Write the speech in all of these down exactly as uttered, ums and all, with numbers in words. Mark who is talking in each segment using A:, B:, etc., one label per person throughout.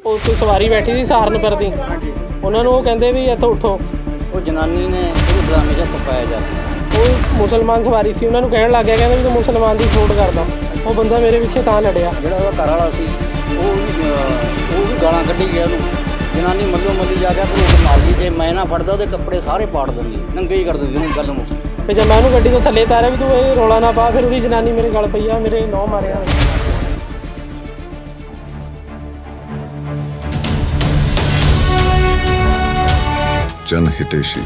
A: ਉਹ ਕੋਈ ਸਵਾਰੀ ਬੈਠੀ ਸੀ ਸਹਾਰਨਪੁਰ ਦੀ, ਉਹਨਾਂ ਨੂੰ ਉਹ ਕਹਿੰਦੇ ਵੀ ਇੱਥੋਂ ਉੱਠੋ।
B: ਉਹ ਜਨਾਨੀ ਨੇ ਉਹਦੇ ਡਰਾਮੇ 'ਚ ਹੱਥ ਪਾਇਆ ਜਾ
A: ਉਹ ਮੁਸਲਮਾਨ ਸਵਾਰੀ ਸੀ, ਉਹਨਾਂ ਨੂੰ ਕਹਿਣ ਲੱਗ ਗਿਆ, ਕਹਿੰਦਾ ਵੀ ਤੂੰ ਮੁਸਲਮਾਨ ਦੀ ਸਪੋਰਟ ਕਰਦਾ। ਉਹ ਬੰਦਾ ਮੇਰੇ ਪਿੱਛੇ ਤਾਂ ਲੜਿਆ।
B: ਜਿਹੜਾ ਉਹਦਾ ਘਰ ਵਾਲਾ ਸੀ ਉਹ ਵੀ ਉਹ ਵੀ ਗਾਲਾਂ ਕੱਢੀ ਗਿਆ ਉਹਨੂੰ। ਜਨਾਨੀ ਮੱਲੋ ਮੱਲੀ ਜਾ ਕੇ ਘਰੋਂ ਮਾਰ ਗਈ। ਜੇ ਮੈਂ ਨਾ ਫੜਦਾ ਉਹਦੇ ਕੱਪੜੇ ਸਾਰੇ ਪਾੜ ਦਿੰਦੀ, ਨੰਗੇ ਹੀ ਕਰ ਦਿੰਦੀ ਉਹਨੂੰ। ਗੱਲ ਮੁੱਕ
A: ਫਿਰ ਜਦ ਮੈਂ ਉਹਨੂੰ ਗੱਡੀ ਤੋਂ ਥੱਲੇ ਤਾਰਿਆ ਵੀ ਤੂੰ ਇਹ ਰੌਲਾ ਨਾ ਪਾ, ਫਿਰ ਉਹਦੀ ਜਨਾਨੀ ਮੇਰੇ ਗਲ ਪਈ ਆ, ਮੇਰੇ ਨੌ ਮਾਰਿਆ।
C: जन हितेशी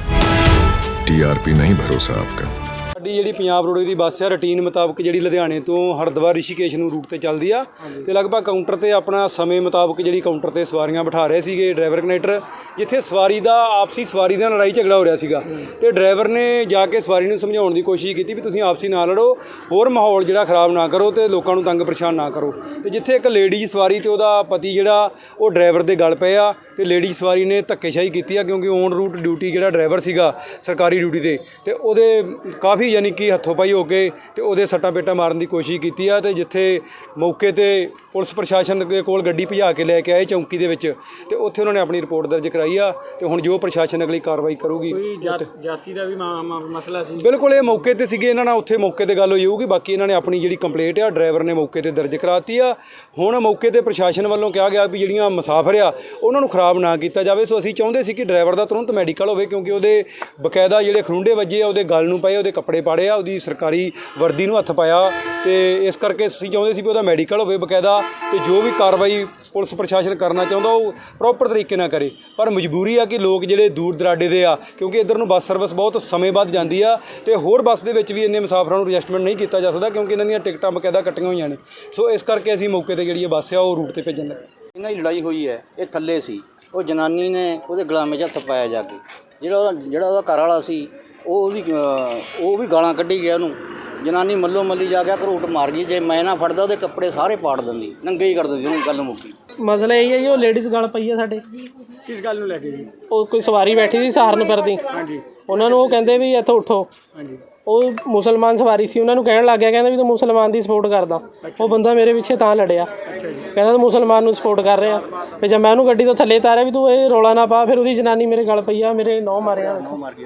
C: टीआरपी नहीं भरोसा आपका।
D: ਸਾਡੀ ਜਿਹੜੀ ਪੰਜਾਬ ਰੋਡਵੇਜ਼ ਦੀ ਬੱਸ ਆ ਰੂਟੀਨ ਮੁਤਾਬਕ ਜਿਹੜੀ ਲੁਧਿਆਣੇ ਤੋਂ ਹਰਿਦੁਆਰ ਰਿਸ਼ੀਕੇਸ਼ ਨੂੰ ਰੂਟ ਤੇ ਚੱਲਦੀ ਆ ਤੇ ਲਗਭਗ ਕਾਊਂਟਰ ਤੇ ਆਪਣਾ ਸਮੇਂ ਮੁਤਾਬਕ ਜਿਹੜੀ ਕਾਊਂਟਰ ਤੇ ਸਵਾਰੀਆਂ ਬਿਠਾ ਰਹੇ ਸੀਗੇ ਡਰਾਈਵਰ ਕਨੈਕਟਰ। ਜਿੱਥੇ ਸਵਾਰੀ ਦਾ ਆਪਸੀ ਸਵਾਰੀ ਦਾ ਲੜਾਈ ਝਗੜਾ ਹੋ ਰਿਹਾ ਸੀਗਾ ਤੇ ਡਰਾਈਵਰ ਨੇ ਜਾ ਕੇ ਸਵਾਰੀ ਨੂੰ ਸਮਝਾਉਣ ਦੀ ਕੋਸ਼ਿਸ਼ ਕੀਤੀ ਵੀ ਤੁਸੀਂ ਆਪਸੀ ਨਾ ਲੜੋ, ਹੋਰ ਮਾਹੌਲ ਜਿਹੜਾ ਖਰਾਬ ਨਾ ਕਰੋ ਤੇ ਲੋਕਾਂ ਨੂੰ ਤੰਗ ਪਰੇਸ਼ਾਨ ਨਾ ਕਰੋ। ਤੇ ਜਿੱਥੇ ਇੱਕ ਲੇਡੀਜ਼ ਸਵਾਰੀ ਤੇ ਉਹਦਾ ਪਤੀ ਜਿਹੜਾ ਉਹ ਡਰਾਈਵਰ ਦੇ ਗਲ ਪਏ ਆ ਤੇ ਲੇਡੀਜ਼ ਸਵਾਰੀ ਨੇ ਧੱਕੇਸ਼ਾਹੀ ਕੀਤੀ ਆ, ਕਿਉਂਕਿ ਔਨ ਰੂਟ ਡਿਊਟੀ ਜਿਹੜਾ ਡਰਾਈਵਰ ਸੀਗਾ ਸਰਕਾਰੀ ਡਿਊਟੀ ਤੇ ਤੇ ਉਹਦੇ ਕਾਫੀ ਯਾਨੀ ਕਿ ਹੱਥੋਂ ਪਾਈ ਹੋ ਕੇ ਤੇ ਉਹਦੇ ਸੱਟਾਂ ਪੇਟਾਂ ਮਾਰਨ ਦੀ ਕੋਸ਼ਿਸ਼ ਕੀਤੀ ਆ। ਤੇ ਜਿੱਥੇ ਮੌਕੇ ਤੇ ਪੁਲਿਸ ਪ੍ਰਸ਼ਾਸਨ ਦੇ ਕੋਲ ਗੱਡੀ ਭਜਾ ਕੇ ਲੈ ਕੇ ਆਏ ਚੌਂਕੀ ਦੇ ਵਿੱਚ ਤੇ ਉੱਥੇ ਉਹਨਾਂ ਨੇ ਆਪਣੀ ਰਿਪੋਰਟ ਦਰਜ ਕਰਾਈ ਆ ਤੇ ਹੁਣ ਜੋ ਪ੍ਰਸ਼ਾਸਨ ਅਗਲੀ ਕਾਰਵਾਈ ਕਰੂਗੀ।
A: ਕੋਈ ਜਾਤੀ ਦਾ ਵੀ ਮਸਲਾ ਸੀ?
D: ਬਿਲਕੁਲ, ਇਹ ਮੌਕੇ ਤੇ ਸੀਗੇ, ਇਹਨਾਂ ਨਾਲ ਉੱਥੇ ਮੌਕੇ ਤੇ ਗੱਲ ਹੋਈ ਹੋਊਗੀ। ਬਾਕੀ ਇਹਨਾਂ ਨੇ ਆਪਣੀ ਜਿਹੜੀ ਕੰਪਲੇਂਟ ਆ ਡਰਾਈਵਰ ਨੇ ਮੌਕੇ ਤੇ ਦਰਜ ਕਰਾਤੀ ਆ। ਹੁਣ ਮੌਕੇ ਤੇ ਪ੍ਰਸ਼ਾਸਨ ਵੱਲੋਂ ਕਿਹਾ ਗਿਆ ਵੀ ਜਿਹੜੀਆਂ ਮੁਸਾਫਰ ਆ ਉਹਨਾਂ ਨੂੰ ਖਰਾਬ ਨਾ ਕੀਤਾ ਜਾਵੇ। ਸੋ ਅਸੀਂ ਚਾਹੁੰਦੇ ਸੀ ਕਿ ਡਰਾਈਵਰ ਦਾ ਤੁਰੰਤ ਮੈਡੀਕਲ ਹੋਵੇ, ਕਿਉਂਕਿ ਉਹਦੇ ਬਕਾਇਦਾ ਜਿਹੜੇ ਖਰੁੰਡੇ ਵੱਜੇ ਆ, ਉਹਦੇ ਗਲ ਨੂੰ ਪਏ, ਉਹਦੇ ਕੱਪੜੇ ਪਾੜੇ ਆ, ਉਹਦੀ ਸਰਕਾਰੀ ਵਰਦੀ ਨੂੰ ਹੱਥ ਪਾਇਆ ਤੇ ਇਸ ਕਰਕੇ ਅਸੀਂ ਚਾਹੁੰਦੇ ਸੀ ਵੀ ਉਹਦਾ ਮੈਡੀਕਲ ਹੋਵੇ ਬਕਾਇਦਾ ਤੇ ਜੋ ਵੀ ਕਾਰਵਾਈ ਪੁਲਿਸ ਪ੍ਰਸ਼ਾਸਨ ਕਰਨਾ ਚਾਹੁੰਦਾ ਉਹ ਪ੍ਰੋਪਰ ਤਰੀਕੇ ਨਾਲ ਕਰੇ। ਪਰ ਮਜਬੂਰੀ ਆ ਕਿ ਲੋਕ ਜਿਹੜੇ ਦੂਰ ਦਰਾਡੇ ਦੇ ਆ, ਕਿਉਂਕਿ ਇੱਧਰ ਨੂੰ ਬੱਸ ਸਰਵਿਸ ਬਹੁਤ ਸਮੇਂ ਬਾਅਦ ਜਾਂਦੀ ਆ ਤੇ ਹੋਰ ਬੱਸ ਦੇ ਵਿੱਚ ਵੀ ਇੰਨੇ ਮੁਸਾਫਰਾਂ ਨੂੰ ਐਡਜਸਟਮੈਂਟ ਨਹੀਂ ਕੀਤਾ ਜਾ ਸਕਦਾ, ਕਿਉਂਕਿ ਇਹਨਾਂ ਦੀਆਂ ਟਿਕਟਾਂ ਬਕਾਇਦਾ ਕੱਟੀਆਂ ਹੋਈਆਂ ਨੇ। ਸੋ ਇਸ ਕਰਕੇ ਅਸੀਂ ਮੌਕੇ ਤੇ ਜਿਹੜੀ ਬੱਸ ਆ ਉਹ ਰੂਟ ਤੇ ਭੇਜਣ ਲੱਗੇ।
B: ਇਹਨਾਂ ਦੀ ਲੜਾਈ ਹੋਈ ਹੈ, ਇਹ ਥੱਲੇ ਸੀ। ਉਹ ਜਨਾਨੀ ਨੇ ਉਹਦੇ ਗੁਲਾਮੇ 'ਚ ਹੱਥ ਪਾਇਆ ਜਾ ਕੇ। ਜਿਹੜਾ ਉਹਦਾ ਜਿਹੜਾ ਉਹਦਾ ਘਰ ਵਾਲਾ ਸੀ ਉਹ ਵੀ ਉਹ ਵੀ ਗਾਲਾਂ ਕੱਢੀ ਗਿਆ ਉਹਨੂੰ। ਜਨਾਨੀ ਮੱਲੋ ਮੱਲੀ ਜਾ ਕੇ ਘਰੋਂ ਮਾਰ ਗਈ। ਜੇ ਮੈਂ ਨਾ ਫੜਦਾ ਉਹਦੇ ਕੱਪੜੇ ਸਾਰੇ ਪਾੜ ਦਿੰਦੀ, ਨੰਗੇ ਹੀ ਕਰ ਦਿੰਦੀ ਉਹਨੂੰ। ਗੱਲ ਮੁੱਕੀ।
A: ਮਸਲਾ ਇਹ ਹੈ ਜੀ, ਉਹ ਲੇਡੀਜ਼ ਗਲ ਪਈ ਆ ਸਾਡੇ।
D: ਕਿਸ ਗੱਲ ਨੂੰ ਲੈ ਕੇ ਜੀ?
A: ਉਹ ਕੋਈ ਸਵਾਰੀ ਬੈਠੀ ਸੀ ਸਹਾਰਨਪੁਰ ਦੀ,
D: ਹਾਂਜੀ,
A: ਉਹਨਾਂ ਨੂੰ ਉਹ ਕਹਿੰਦੇ ਵੀ ਇੱਥੋਂ ਉੱਠੋ।
D: ਹਾਂਜੀ,
A: ਉਹ ਮੁਸਲਮਾਨ ਸਵਾਰੀ ਸੀ, ਉਹਨਾਂ ਨੂੰ ਕਹਿਣ ਲੱਗ ਗਿਆ, ਕਹਿੰਦਾ ਵੀ ਤੂੰ ਮੁਸਲਮਾਨ ਦੀ ਸਪੋਰਟ ਕਰਦਾ। ਉਹ ਬੰਦਾ ਮੇਰੇ ਪਿੱਛੇ ਤਾਂ ਲੜਿਆ, ਕਹਿੰਦਾ ਤੂੰ ਮੁਸਲਮਾਨ ਨੂੰ ਸਪੋਰਟ ਕਰ ਰਿਹਾ। ਫਿਰ ਜਦ ਮੈਂ ਉਹਨੂੰ ਗੱਡੀ ਤੋਂ ਥੱਲੇ ਤਾਰਿਆ ਵੀ ਤੂੰ ਇਹ ਰੌਲਾ ਨਾ ਪਾ, ਫਿਰ ਉਹਦੀ ਜਨਾਨੀ ਮੇਰੇ ਗਲ ਪਈ ਆ, ਮੇਰੇ ਨੌ ਮਾਰਿਆ।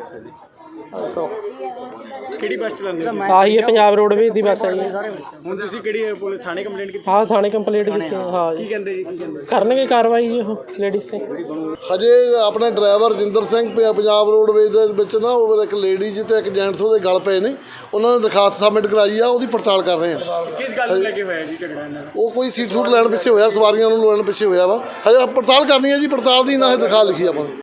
D: ਕਿਹੜੀ ਬੱਸ ਚਲਾਉਂਦੇ?
A: ਆਹੀ ਹੈ ਪੰਜਾਬ ਰੋਡਵੇਜ਼ ਦੀ ਬੱਸ ਹੈ ਜੀ।
D: ਹੁਣ ਤੁਸੀਂ ਕਿਹੜੀ ਪੁਲਿਸ ਥਾਣੇ ਕੰਪਲੇਂਟ ਕੀਤੀ?
A: ਹਾਂ, ਥਾਣੇ ਕੰਪਲੇਂਟ ਕੀਤੀ। ਹਾਂ ਜੀ,
D: ਕੀ ਕਹਿੰਦੇ ਜੀ?
A: ਕਰਨਗੇ ਕਾਰਵਾਈ ਜੀ ਉਹ ਲੇਡੀਜ਼ ਤੇ।
E: ਹਜੇ ਆਪਣੇ ਡਰਾਈਵਰ ਜਿੰਦਰ ਸਿੰਘ ਪ- ਪੰਜਾਬ ਰੋਡਵੇਜ਼ ਦੇ ਵਿੱਚ ਨਾ ਉਹ ਇੱਕ ਲੇਡੀਜ਼ ਤੇ ਇੱਕ ਜੈਂਟਸ ਉਹਦੇ ਗਲ ਪਏ ਨੇ। ਉਹਨਾਂ ਨੇ ਦਰਖਾਸਤ ਸਬਮਿਟ ਕਰਾਈ ਆ, ਉਹਦੀ ਪੜਤਾਲ ਕਰ ਰਹੇ ਆ।
D: ਕਿਸ ਗੱਲ ਨੂੰ ਲੈ ਕੇ ਹੋਇਆ ਜੀ ਝਗੜਾ ਇਹਨਾਂ ਦਾ?
E: ਉਹ ਕੋਈ ਸੀਟ ਸੂਟ ਲੈਣ ਪਿੱਛੇ ਹੋਇਆ, ਸਵਾਰੀਆਂ ਨੂੰ ਲੈਣ ਪਿੱਛੇ ਹੋਇਆ ਵਾ। ਹਜੇ ਪੜਤਾਲ ਕਰਨੀ ਹੈ ਜੀ, ਪੜਤਾਲ ਦੀ ਨਾ ਇਹ ਦਰਖਾਸਤ ਲਿਖੀ ਆਪਾਂ।